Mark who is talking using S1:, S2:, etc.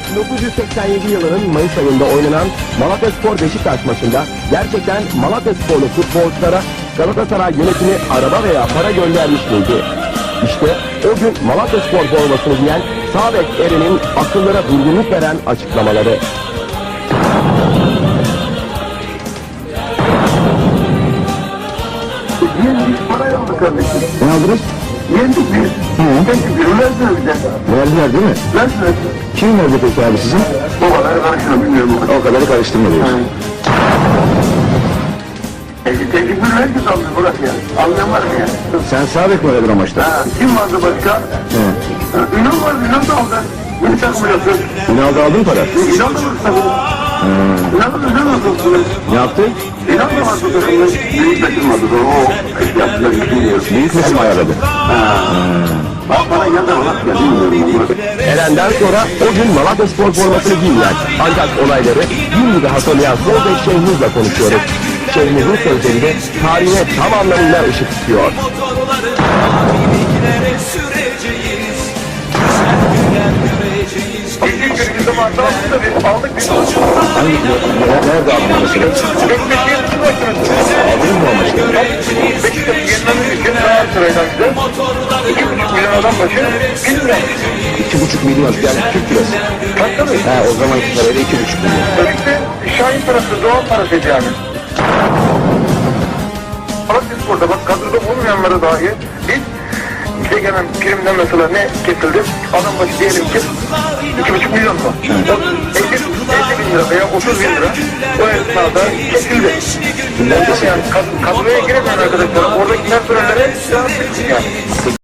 S1: 1987 yılının Mayıs ayında oynanan Malatyaspor Beşiktaş maçında gerçekten Malatyasporlu futbolculara Galatasaray yönetimi araba veya para göndermiş miydi? İşte o gün Malatyaspor formasını giyen sağ bek Eren'in akıllara durgunluk veren açıklamaları.
S2: Yendik, para aldık kardeşim.
S1: Ne aldınız?
S2: Yendik biz. Yendik biz. Verdiler bize.
S1: Verdiler değil mi?
S2: Verdiler.
S1: Kim verdi peki abi sizin?
S2: Babaları karıştırma bilmiyorum.
S1: O kadarı karıştırma diyorsun.
S2: Tecrübül herkes aldı Burak ya. Anlayan var mı ya?
S1: Sen sağ bek mi oynadın o maçta?
S2: Kim vardı başka? Ünal vardı. Ünal da aldı. Yeni takım yapıyor.
S1: Ünal'da aldın para.
S2: Ünal da var tabii. Ünal da güzel oldu.
S1: Ne yaptı?
S2: Ünal da var takımda. Büyük takım vardı. O yaptılar. Bilmiyorum.
S1: Büyük resim ayarladı.
S2: Bak bana geldi ama ya bilmiyorum.
S1: Eren'den sonra o gün Malatyaspor formasını giydiler. Ancak olayları bir de hatırlayan sol bek Şehnuz'la konuşuyoruz. Şehnuz'un sözlerinde tarihine tam anlamıyla ışık tutuyor.
S2: İlk günümüzde vardı aslında biz aldık biz.
S1: Hangi, nerede aldın mesela? Aldınız mı o maçta?
S2: Beşiktaş'ı yenmemiz için Galatasaray'dan bize 2,5 milyon adam başı 1 lira.
S1: 2,5 milyon yani Türk lirası.
S2: Tabii.
S1: He, o zamanki parayla 2,5 milyon.
S2: Özellikle Şahin parası, doğal parasıydı yani. Malatyaspor'da bak kadroda olmayanlara dahi biz bize gelen primden mesela ne kesildi? Adam başı diyelim ki 2,5 milyon mu? 50 bin lira veya 30 bin lira o esnada kesildi. Yani kadroya giremeyen arkadaşlar oradakiler sürelere yani.